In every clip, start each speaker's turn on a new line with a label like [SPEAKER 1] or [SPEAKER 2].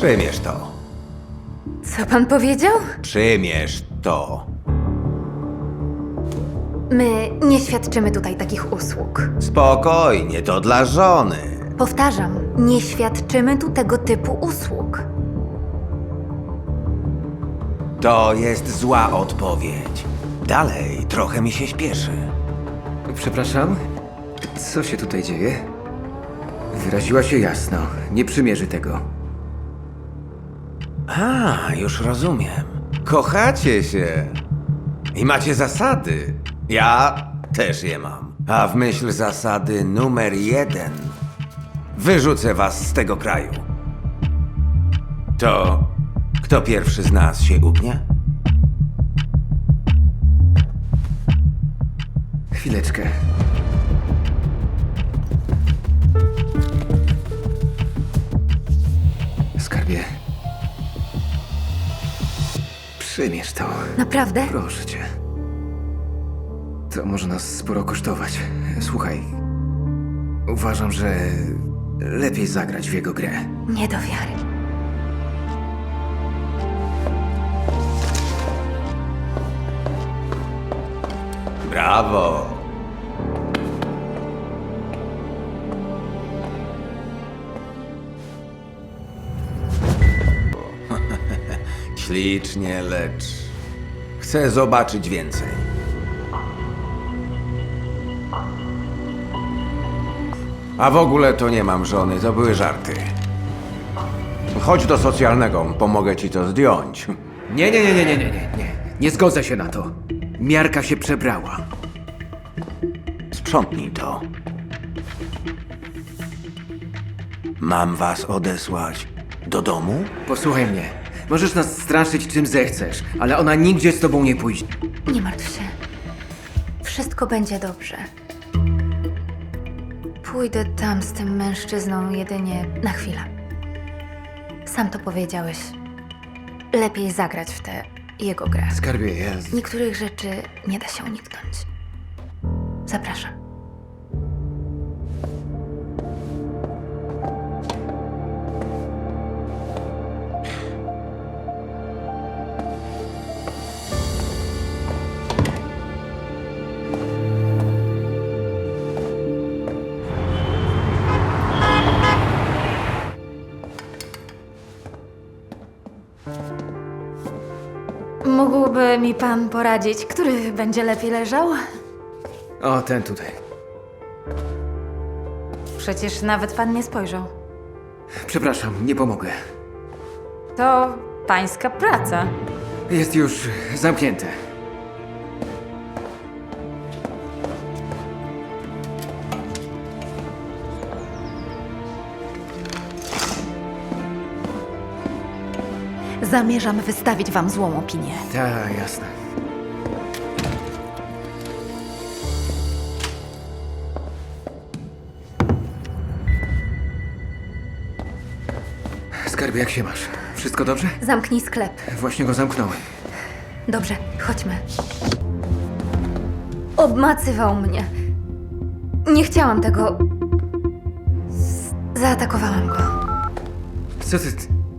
[SPEAKER 1] Przymierz to.
[SPEAKER 2] Co pan powiedział?
[SPEAKER 1] Przymierz to.
[SPEAKER 2] My nie świadczymy tutaj takich usług.
[SPEAKER 1] Spokojnie, to dla żony.
[SPEAKER 2] Powtarzam, nie świadczymy tu tego typu usług.
[SPEAKER 1] To jest zła odpowiedź. Dalej, trochę mi się śpieszy.
[SPEAKER 3] Przepraszam? Co się tutaj dzieje? Wyraziła się jasno. Nie przymierzy tego.
[SPEAKER 1] A, już rozumiem. Kochacie się. I macie zasady. Ja też je mam. A w myśl zasady numer 1 wyrzucę was z tego kraju. To kto pierwszy z nas się ugnie?
[SPEAKER 3] Chwileczkę. Skarbie. Przymierz to.
[SPEAKER 2] Naprawdę?
[SPEAKER 3] Proszę cię. To może nas sporo kosztować. Słuchaj. Uważam, że lepiej zagrać w jego grę.
[SPEAKER 2] Nie do wiary.
[SPEAKER 1] Brawo! Ślicznie, lecz chcę zobaczyć więcej. A w ogóle to nie mam żony, to były żarty. Chodź do socjalnego, pomogę ci to zdjąć.
[SPEAKER 3] Nie. Nie zgodzę się na to. Miarka się przebrała.
[SPEAKER 1] Sprzątnij to. Mam was odesłać do domu?
[SPEAKER 3] Posłuchaj mnie. Możesz nas straszyć czym zechcesz, ale ona nigdzie z tobą nie pójdzie.
[SPEAKER 2] Nie martw się. Wszystko będzie dobrze. Pójdę tam z tym mężczyzną jedynie na chwilę. Sam to powiedziałeś. Lepiej zagrać w tę jego grę.
[SPEAKER 3] Skarbie, ja...
[SPEAKER 2] Niektórych rzeczy nie da się uniknąć. Zapraszam. Mógłby mi pan poradzić, który będzie lepiej leżał?
[SPEAKER 3] O, ten tutaj.
[SPEAKER 2] Przecież nawet pan nie spojrzał.
[SPEAKER 3] Przepraszam, nie pomogę.
[SPEAKER 2] To pańska praca.
[SPEAKER 3] Jest już zamknięte.
[SPEAKER 2] Zamierzam wystawić wam złą opinię.
[SPEAKER 3] Tak, jasne. Skarbie, jak się masz? Wszystko dobrze?
[SPEAKER 2] Zamknij sklep.
[SPEAKER 3] Właśnie go zamknąłem.
[SPEAKER 2] Dobrze, chodźmy. Obmacywał mnie. Nie chciałam tego. Zaatakowałam go.
[SPEAKER 3] Co ty...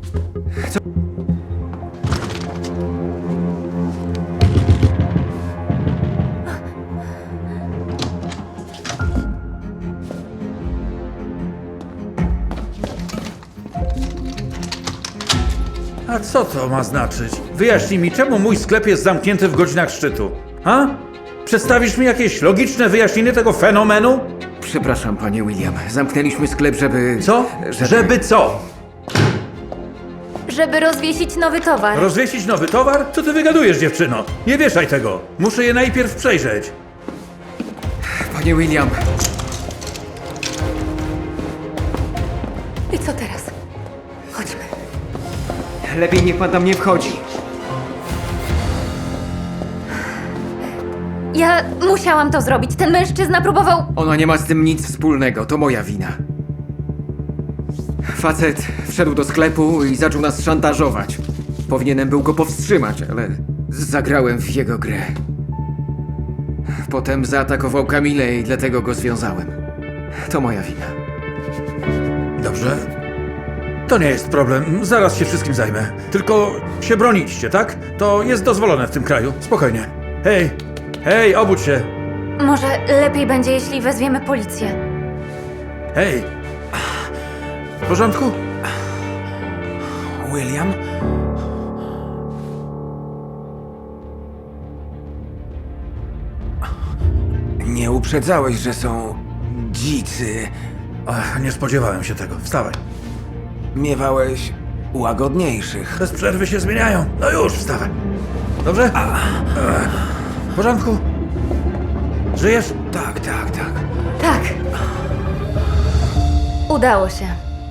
[SPEAKER 4] A co to ma znaczyć? Wyjaśnij mi, czemu mój sklep jest zamknięty w godzinach szczytu? Ha? Przedstawisz mi jakieś logiczne wyjaśnienie tego fenomenu?
[SPEAKER 3] Przepraszam, panie William. Zamknęliśmy sklep, żeby...
[SPEAKER 4] Co? Żeby co?
[SPEAKER 2] Żeby rozwiesić nowy towar.
[SPEAKER 4] Rozwiesić nowy towar? Co ty wygadujesz, dziewczyno? Nie wieszaj tego. Muszę je najpierw przejrzeć.
[SPEAKER 3] Panie William,
[SPEAKER 2] I co teraz? Chodźmy.
[SPEAKER 3] lepiej niech pan tam nie wchodzi.
[SPEAKER 2] Ja musiałam to zrobić. Ten mężczyzna próbował.
[SPEAKER 3] Ona nie ma z tym nic wspólnego, to moja wina. Facet wszedł do sklepu i zaczął nas szantażować. Powinienem był go powstrzymać, ale zagrałem w jego grę. Potem zaatakował Kamilę i dlatego go związałem. To moja wina.
[SPEAKER 4] Dobrze. To nie jest problem, zaraz się wszystkim zajmę. Tylko się bronicie, tak? To jest dozwolone w tym kraju. Spokojnie. Hej, hej, obudź się.
[SPEAKER 2] Może lepiej będzie, jeśli wezwiemy policję.
[SPEAKER 4] Hej. W porządku?
[SPEAKER 1] William? Nie uprzedzałeś, że są dzicy.
[SPEAKER 4] Ach, nie spodziewałem się tego. Wstawaj.
[SPEAKER 1] Miewałeś łagodniejszych.
[SPEAKER 4] Bez przerwy się zmieniają. No już, wstawaj. Dobrze? W porządku? Żyjesz?
[SPEAKER 1] Tak, tak, tak.
[SPEAKER 2] Tak. Udało się.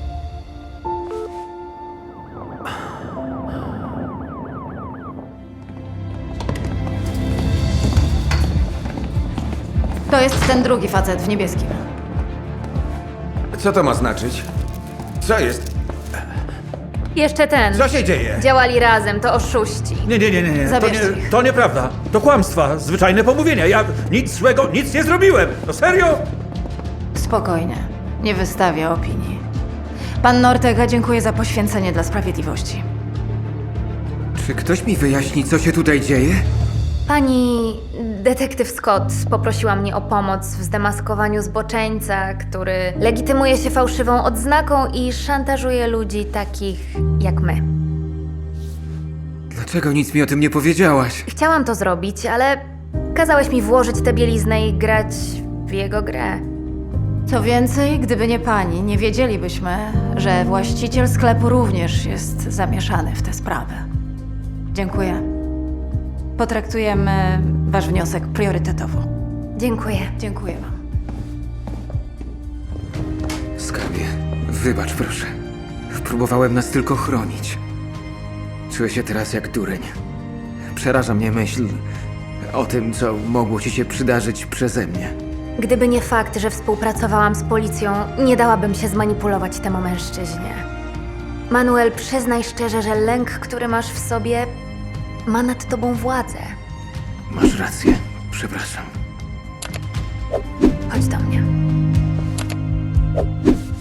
[SPEAKER 5] To jest ten drugi facet w niebieskim.
[SPEAKER 1] Co to ma znaczyć? Co jest?
[SPEAKER 2] Jeszcze ten.
[SPEAKER 1] Co się dzieje?
[SPEAKER 2] Działali razem, to oszuści.
[SPEAKER 4] Nie.
[SPEAKER 5] Zabierzcie ich.
[SPEAKER 4] To nieprawda. To kłamstwa, zwyczajne pomówienia. Ja nic złego, nic nie zrobiłem. No serio?
[SPEAKER 5] Spokojnie. Nie wystawia opinii. Pan Nortega dziękuję za poświęcenie dla sprawiedliwości.
[SPEAKER 3] Czy ktoś mi wyjaśni, co się tutaj dzieje?
[SPEAKER 2] Pani detektyw Scott poprosiła mnie o pomoc w zdemaskowaniu zboczeńca, który legitymuje się fałszywą odznaką i szantażuje ludzi takich jak my.
[SPEAKER 3] Dlaczego nic mi o tym nie powiedziałaś?
[SPEAKER 2] Chciałam to zrobić, ale kazałeś mi włożyć tę bieliznę i grać w jego grę.
[SPEAKER 5] Co więcej, gdyby nie pani, nie wiedzielibyśmy, że właściciel sklepu również jest zamieszany w tę sprawę. Dziękuję. Potraktujemy wasz wniosek priorytetowo.
[SPEAKER 2] Dziękuję.
[SPEAKER 5] Dziękuję wam.
[SPEAKER 3] Skarbie, wybacz proszę. Próbowałem nas tylko chronić. Czuję się teraz jak dureń. Przeraża mnie myśl o tym, co mogło ci się przydarzyć przeze mnie.
[SPEAKER 2] Gdyby nie fakt, że współpracowałam z policją, nie dałabym się zmanipulować temu mężczyźnie. Manuel, przyznaj szczerze, że lęk, który masz w sobie, ma nad tobą władzę.
[SPEAKER 3] Masz rację. Przepraszam.
[SPEAKER 2] Chodź do mnie.